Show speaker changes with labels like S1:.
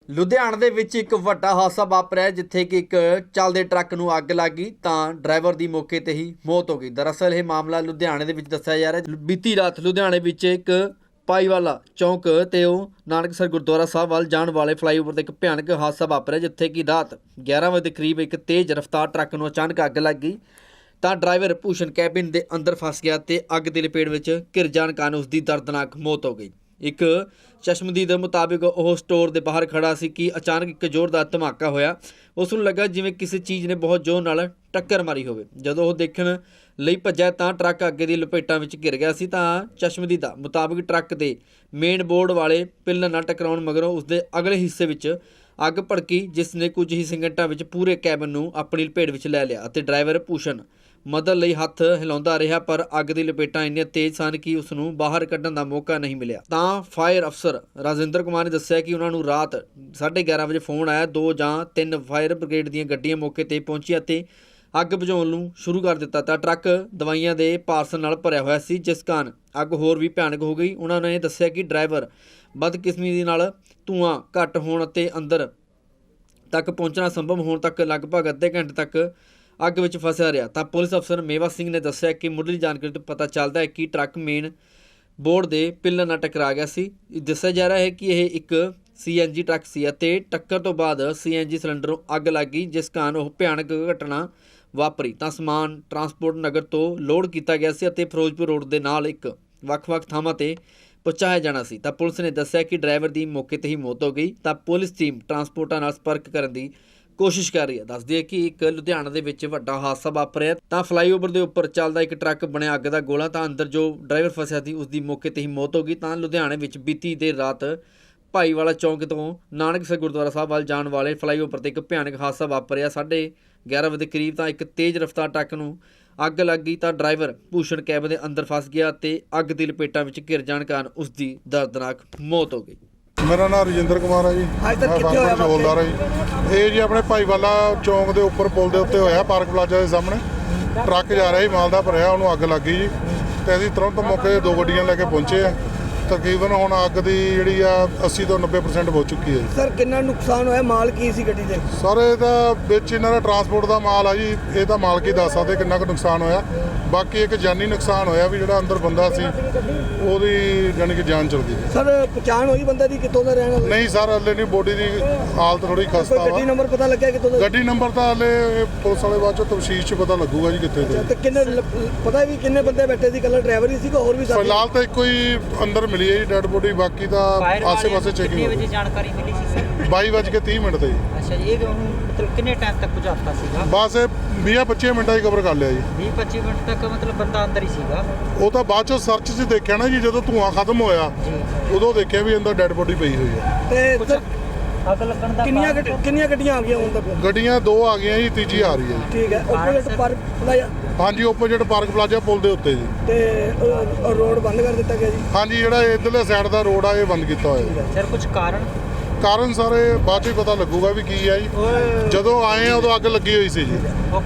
S1: ਲੁਧਿਆਣਾ ਦੇ ਵਿੱਚ ਇੱਕ ਵੱਡਾ ਹਾਦਸਾ ਵਾਪਰਿਆ ਜਿੱਥੇ ਕਿ ਇੱਕ ਚੱਲਦੇ ਟਰੱਕ ਨੂੰ ਅੱਗ ਲੱਗ ਗਈ ਤਾਂ ਡਰਾਈਵਰ ਦੀ ਮੌਕੇ ਤੇ ਹੀ ਮੌਤ ਹੋ ਗਈ। ਦਰਅਸਲ ਇਹ ਮਾਮਲਾ ਲੁਧਿਆਣੇ ਦੇ ਵਿੱਚ ਦੱਸਿਆ ਜਾ ਰਿਹਾ। ਬੀਤੀ ਰਾਤ ਲੁਧਿਆਣੇ ਵਿੱਚ ਇੱਕ ਪਾਈਵਾਲਾ ਚੌਂਕ ਤੇ ਉਹ ਨਾਨਕਸਰ ਗੁਰਦੁਆਰਾ ਸਾਹਿਬ ਵੱਲ ਜਾਣ ਵਾਲੇ ਫਲਾਈਓਵਰ ਤੇ ਇੱਕ ਭਿਆਨਕ ਹਾਦਸਾ ਵਾਪਰਿਆ ਜਿੱਥੇ ਕਿ ਰਾਤ 11 ਵਜੇ ਦੇ ਕਰੀਬ ਇੱਕ ਤੇਜ਼ ਰਫ਼ਤਾਰ ਟਰੱਕ ਨੂੰ ਅਚਾਨਕ ਅੱਗ ਲੱਗ ਗਈ ਤਾਂ ਡਰਾਈਵਰ ਭੂਸ਼ਣ ਕੈਬਿਨ ਦੇ ਅੰਦਰ ਫਸ ਗਿਆ ਤੇ ਅੱਗ ਦੀ ਲਪੇਟ ਵਿੱਚ ਘਿਰ ਜਾਣ ਕਾਰਨ ਉਸ ਦੀ ਦਰਦਨਾਕ ਮੌਤ ਹੋ ਗਈ। ਇੱਕ ਚਸ਼ਮਦੀਦ ਮੁਤਾਬਿਕ ਉਹ ਸਟੋਰ ਦੇ ਬਾਹਰ ਖੜਾ ਸੀ ਕਿ ਅਚਾਨਕ ਇੱਕ ਜ਼ੋਰਦਾਰ ਧਮਾਕਾ ਹੋਇਆ। ਉਸ ਨੂੰ ਲੱਗਾ ਜਿਵੇਂ ਕਿਸੇ ਚੀਜ਼ ਨੇ ਬਹੁਤ ਜ਼ੋਰ ਨਾਲ ਟੱਕਰ ਮਾਰੀ ਹੋਵੇ। ਜਦੋਂ ਉਹ ਦੇਖਣ ਲਈ ਭੱਜਿਆ ਤਾਂ ਟਰੱਕ ਅੱਗੇ ਦੀ ਲਪੇਟਾਂ ਵਿੱਚ ਘਿਰ ਗਿਆ ਸੀ ਤਾਂ ਚਸ਼ਮਦੀਦ ਮੁਤਾਬਿਕ ਟਰੱਕ ਦੇ ਮੇਨ ਬੋਰਡ ਵਾਲੇ ਪਿੱਲਰ ਨਾਲ ਟਕਰਾਉਣ ਮਗਰੋਂ ਉਸਦੇ ਅਗਲੇ ਹਿੱਸੇ ਵਿੱਚ ਅੱਗ ਭੜਕੀ ਜਿਸ ਨੇ ਕੁਝ ਹੀ ਸਕਿੰਟਾਂ ਵਿੱਚ ਪੂਰੇ ਕੈਬਨ ਨੂੰ ਆਪਣੀ ਲਪੇਟ ਵਿੱਚ ਲੈ ਲਿਆ ਅਤੇ ਡਰਾਈਵਰ ਭੂਸ਼ਣ ਮਦਦ ਲਈ ਹੱਥ ਹਿਲਾਉਂਦਾ ਰਿਹਾ ਪਰ ਅੱਗ ਦੀ ਲਪੇਟਾਂ ਇੰਨੀਆਂ ਤੇਜ਼ ਸਨ ਕਿ ਉਸ ਨੂੰ ਬਾਹਰ ਕੱਢਣ ਦਾ ਮੌਕਾ ਨਹੀਂ ਮਿਲਿਆ। ਤਾਂ ਫਾਇਰ ਅਫਸਰ ਰਾਜਿੰਦਰ ਕੁਮਾਰ ਨੇ ਦੱਸਿਆ ਕਿ ਉਹਨਾਂ ਨੂੰ ਰਾਤ 11:30 ਵਜੇ ਫੋਨ ਆਇਆ। 2 ਜਾਂ 3 ਫਾਇਰ ਬ੍ਰਿਗੇਡ ਦੀਆਂ ਗੱਡੀਆਂ ਮੌਕੇ ਤੇ ਪਹੁੰਚੀਆਂ ਅਤੇ ਅੱਗ ਬੁਝਾਉਣ ਨੂੰ ਸ਼ੁਰੂ ਕਰ ਦਿੱਤਾ ਤਾਂ ਟਰੱਕ ਦਵਾਈਆਂ ਦੇ ਪਾਰਸਲ ਨਾਲ ਭਰਿਆ ਹੋਇਆ ਸੀ ਜਿਸ ਕਾਰਨ ਅੱਗ ਹੋਰ ਵੀ ਭਿਆਨਕ ਹੋ ਗਈ। ਉਹਨਾਂ ਨੇ ਦੱਸਿਆ ਕਿ ਡਰਾਈਵਰ ਬਦਕਿਸਮਤੀ ਨਾਲ ਧੂੰਆਂ ਘੱਟ ਹੋਣ ਅਤੇ ਅੰਦਰ ਤੱਕ ਪਹੁੰਚਣਾ ਸੰਭਵ ਹੋਣ ਤੱਕ ਲਗਭਗ ਅੱਧੇ ਘੰਟੇ ਤੱਕ ਅੱਗ ਵਿੱਚ ਫਸਿਆ ਰਿਹਾ। ਤਾਂ ਪੁਲਿਸ ਅਫਸਰ ਮੇਵਾ ਸਿੰਘ ਨੇ ਦੱਸਿਆ ਕਿ ਮੁੱਢਲੀ ਜਾਣਕਾਰੀ ਤੋਂ ਪਤਾ ਚੱਲਦਾ ਹੈ ਕਿ ਟਰੱਕ ਮੇਨ ਬੋਰਡ ਦੇ ਪਿੱਲਰ ਨਾਲ ਟਕਰਾ ਗਿਆ ਸੀ। ਦੱਸਿਆ ਜਾ ਰਿਹਾ ਹੈ ਕਿ ਇਹ ਇੱਕ CNG ਟਰੱਕ ਸੀ ਅਤੇ ਟੱਕਰ ਤੋਂ ਬਾਅਦ CNG ਸਿਲੰਡਰ ਨੂੰ ਅੱਗ ਲੱਗ ਗਈ ਜਿਸ ਕਾਰਨ ਉਹ ਭਿਆਨਕ ਘਟਨਾ ਵਾਪਰੀ। ਤਾਂ ਸਮਾਨ ਟਰਾਂਸਪੋਰਟ ਨਗਰ ਤੋਂ ਲੋਡ ਕੀਤਾ ਗਿਆ ਸੀ ਅਤੇ ਫਿਰੋਜ਼ਪੁਰ ਰੋਡ ਦੇ ਨਾਲ ਇੱਕ ਵੱਖ-ਵੱਖ ਥਾਵਾਂ ਤੇ ਪਹੁੰਚਾਇਆ ਜਾਣਾ ਸੀ। ਤਾਂ ਪੁਲਿਸ ਨੇ ਦੱਸਿਆ ਕਿ ਡਰਾਈਵਰ ਦੀ ਮੌਕੇ ਤੇ ਹੀ ਮੌਤ ਹੋ ਗਈ। ਤਾਂ ਪੁਲਿਸ ਟੀਮ ਟਰਾਂਸਪੋਰਟਾਂ ਨਾਲ ਸੰਪਰਕ ਕਰਨ ਦੀ ਕੋਸ਼ਿਸ਼ ਕਰ ਰਹੀ ਹੈ। ਦੱਸਦੀ ਹੈ ਕਿ ਇੱਕ ਲੁਧਿਆਣਾ ਦੇ ਵਿੱਚ ਵੱਡਾ ਹਾਦਸਾ ਵਾਪਰਿਆ ਤਾਂ ਫਲਾਈਓਵਰ ਦੇ ਉੱਪਰ ਚੱਲਦਾ ਇੱਕ ਟਰੱਕ ਬਣਿਆ ਅੱਗ ਦਾ ਗੋਲਾ ਤਾਂ ਅੰਦਰ ਜੋ ਡਰਾਈਵਰ ਫਸਿਆ ਸੀ ਉਸ ਦੀ ਮੌਕੇ ਤੇ ਹੀ ਮੌਤ ਹੋ ਗਈ। ਤਾਂ ਲੁਧਿਆਣੇ ਵਿੱਚ ਬੀਤੀ ਦੇਰ ਰਾਤ ਭਾਈਵਾਲਾ ਚੌਂਕ ਤੋਂ ਨਾਨਕਸਰ ਗੁਰਦੁਆਰਾ ਸਾਹਿਬ ਵੱਲ ਜਾਣ ਵਾਲੇ ਫਲਾਈਓਵਰ ਤੇ ਇੱਕ ਭਿਆਨਕ ਹਾਦਸਾ ਵਾਪਰਿਆ। 11:30 ਵਜੇ ਦੇ ਕਰੀਬ ਤਾਂ ਇੱਕ ਤੇਜ਼ ਰਫ਼ਤਾਰ ਟਰੱਕ ਨੂੰ ਅੱਗ ਲੱਗ ਗਈ ਤਾਂ ਡਰਾਈਵਰ ਭੂਸ਼ਣ ਕੈਬਨ ਦੇ ਅੰਦਰ ਫਸ ਗਿਆ ਤੇ ਅੱਗ ਦੀ ਲਪੇਟਾਂ ਵਿੱਚ ਘਿਰ ਜਾਣ ਕਾਰਨ ਉਸ ਦੀ ਦਰਦਨਾਕ ਮੌਤ ਹੋ ਗਈ।
S2: ਮੇਰਾ ਨਾਮ ਰਜਿੰਦਰ ਕੁਮਾਰ ਹੈ ਜੀ। ਮੈਂ ਫਾਰਮਰ ਚ ਬੋਲਦਾ ਰਿਹਾ ਜੀ। ਇਹ ਜੀ ਆਪਣੇ ਭਾਈਵਾਲਾ ਚੌਂਕ ਦੇ ਉੱਪਰ ਪੁਲ ਦੇ ਉੱਤੇ ਹੋਇਆ ਪਾਰਕ ਪਲਾਜ਼ਾ ਦੇ ਸਾਹਮਣੇ। ਟਰੱਕ ਜਾ ਰਿਹਾ ਸੀ ਮਾਲ ਦਾ ਭਰਿਆ, ਉਹਨੂੰ ਅੱਗ ਲੱਗ ਗਈ ਜੀ ਤੇ ਅਸੀਂ ਤੁਰੰਤ ਮੌਕੇ 'ਤੇ 2 ਗੱਡੀਆਂ ਲੈ ਕੇ ਪਹੁੰਚੇ ਆ। ਤਕਰੀਬਨ ਹੁਣ ਅੱਗ ਦੀ ਜਿਹੜੀ ਆ 80 ਤੋਂ 90% ਹੋ ਚੁੱਕੀ ਹੈ।
S3: ਸਰ ਕਿੰਨਾ ਨੁਕਸਾਨ ਹੋਇਆ? ਮਾਲ ਕੀ ਸੀ ਗੱਡੀ ਦੇ?
S2: ਸਰ ਇਹਦਾ ਵਿੱਚ ਇਹਨਾਂ ਦਾ ਟਰਾਂਸਪੋਰਟ ਦਾ ਮਾਲ ਆ ਜੀ। ਇਹ ਤਾਂ ਮਾਲਕ ਹੀ ਦੱਸ ਸਕਦੇ ਕਿੰਨਾ ਕੁ ਨੁਕਸਾਨ ਹੋਇਆ। ਬਾਕੀ ਇੱਕ ਜਾਨੀ ਨੁਕਸਾਨ ਹੋਇਆ ਵੀ ਜਿਹੜਾ ਅੰਦਰ ਬੰਦਾ ਸੀ ਉਹਦੀ ਜਾਨੀ ਕਿ ਜਾਨ ਚਲ ਗਈ।
S3: ਸਰ ਪਛਾਣ ਹੋਈ ਬੰਦੇ ਦੀ ਕਿੱਥੋਂ ਦਾ ਰਹਿਣ ਵਾਲਾ?
S2: ਨਹੀਂ ਸਰ, ਹਲੇ ਨਹੀਂ। ਬੋਡੀ ਦੀ ਹਾਲਤ ਥੋੜੀ ਖਸਤਾ ਵਾ।
S3: ਗੱਡੀ ਨੰਬਰ ਪਤਾ ਲੱਗਿਆ ਕਿੱਥੋਂ ਦਾ?
S2: ਗੱਡੀ ਨੰਬਰ ਤਾਂ ਹਲੇ ਪੁਲਿਸ ਵਾਲੇ ਬਾਅਦ ਚੋਂ ਤਫਸੀਸ਼ 'ਚ ਪਤਾ ਲੱਗੂਗਾ ਜੀ ਕਿੱਥੇ ਦੇ।
S3: ਤੇ ਕਿੰਨੇ ਪਤਾ ਵੀ ਕਿੰਨੇ ਬੰਦੇ ਬੈਠੇ ਸੀ? ਇਕੱਲਾ ਡਰਾਈਵਰ ਹੀ ਸੀਗਾ ਹੋਰ ਵੀ ਸਾਥੀ?
S2: ਫਿਲਹਾਲ ਤਾਂ ਇੱਕੋ ਹੀ ਅੰਦਰ ਮਿਲੀ ਹੈ ਜੀ ਡੈਡ ਬੋਡੀ। ਬਾਕੀ ਤਾਂ ਆਸੇ-ਪਾਸੇ ਚੈਕਿੰਗ
S4: ਕਿੰਨੇ ਵਜੇ ਜਾਣਕਾਰੀ ਮਿਲੀ ਸੀ ਸਰ?
S2: 22:30 ਤੇ ਜੀ।
S4: ਅੱਛਾ ਜੀ, ਇਹ ਮਤਲਬ ਕਿੰਨੇ ਟਾਈਮ ਤੱਕ ਪਹੁੰਚਾਤਾ ਸੀਗਾ?
S2: ਬਸ 20-25 ਮਿੰਟਾਂ 'ਚ ਕਵਰ ਕਰ ਲਿਆ ਜੀ।
S4: 20-25 ਮਿੰਟ ਤੱਕ ਮਤਲਬ ਬੰਦਾ ਅੰਦਰ ਹੀ ਸੀਗਾ?
S2: ਉਹ ਤਾਂ ਬਾਅਦ ਚੋਂ ਸਰਚ 'ਚ ਦੇਖਿਆ ਨਾ ਜੀ, ਜਦੋਂ ਧੂੰਆਂ ਖਤਮ ਹੋਇਆ ਉਦੋਂ ਦੇਖਿਆ ਵੀ ਅੰਦਰ ਡੈਡ ਬੋਡੀ ਪਈ ਹੋਈ ਹੈ।
S3: ਤੇ ਸਰ
S4: ਅੱਗ ਲੱਗਣ ਦਾ
S3: ਕਿੰਨੀਆਂ ਗੱਡੀਆਂ ਆ ਗਈਆਂ ਹੁਣ ਤੱਕ?
S2: ਗੱਡੀਆਂ 2 ਆ ਗਈਆਂ ਜੀ, ਤੀਜੀ ਆ ਰਹੀ ਹੈ ਜੀ।
S3: ਠੀਕ ਹੈ। Opposite park plaza?
S2: ਹਾਂਜੀ, ਓਪੋਜਿਟ ਪਾਰਕ ਪਲਾਜ਼ਾ ਪੁਲ ਦੇ ਉੱਤੇ ਜੀ।
S3: ਤੇ ਰੋਡ ਬੰਦ ਕਰ ਦਿੱਤਾ ਗਿਆ ਜੀ?
S2: ਹਾਂਜੀ, ਜਿਹੜਾ ਇਧਰਲੇ ਸਾਈਡ ਦਾ ਰੋਡ ਆ ਇਹ ਬੰਦ ਕੀਤਾ ਹੋਇਆ।
S4: ਸਰ ਕੁਝ ਕਾਰਨ
S2: ਸਾਰੇ ਬਾਅਦ 'ਚ ਹੀ ਪਤਾ ਲੱਗੂਗਾ ਵੀ ਕੀ ਆ ਜੀ। ਜਦੋਂ ਆਏ ਆ ਉਦੋਂ ਅੱਗ ਲੱਗੀ ਹੋਈ ਸੀ ਜੀ।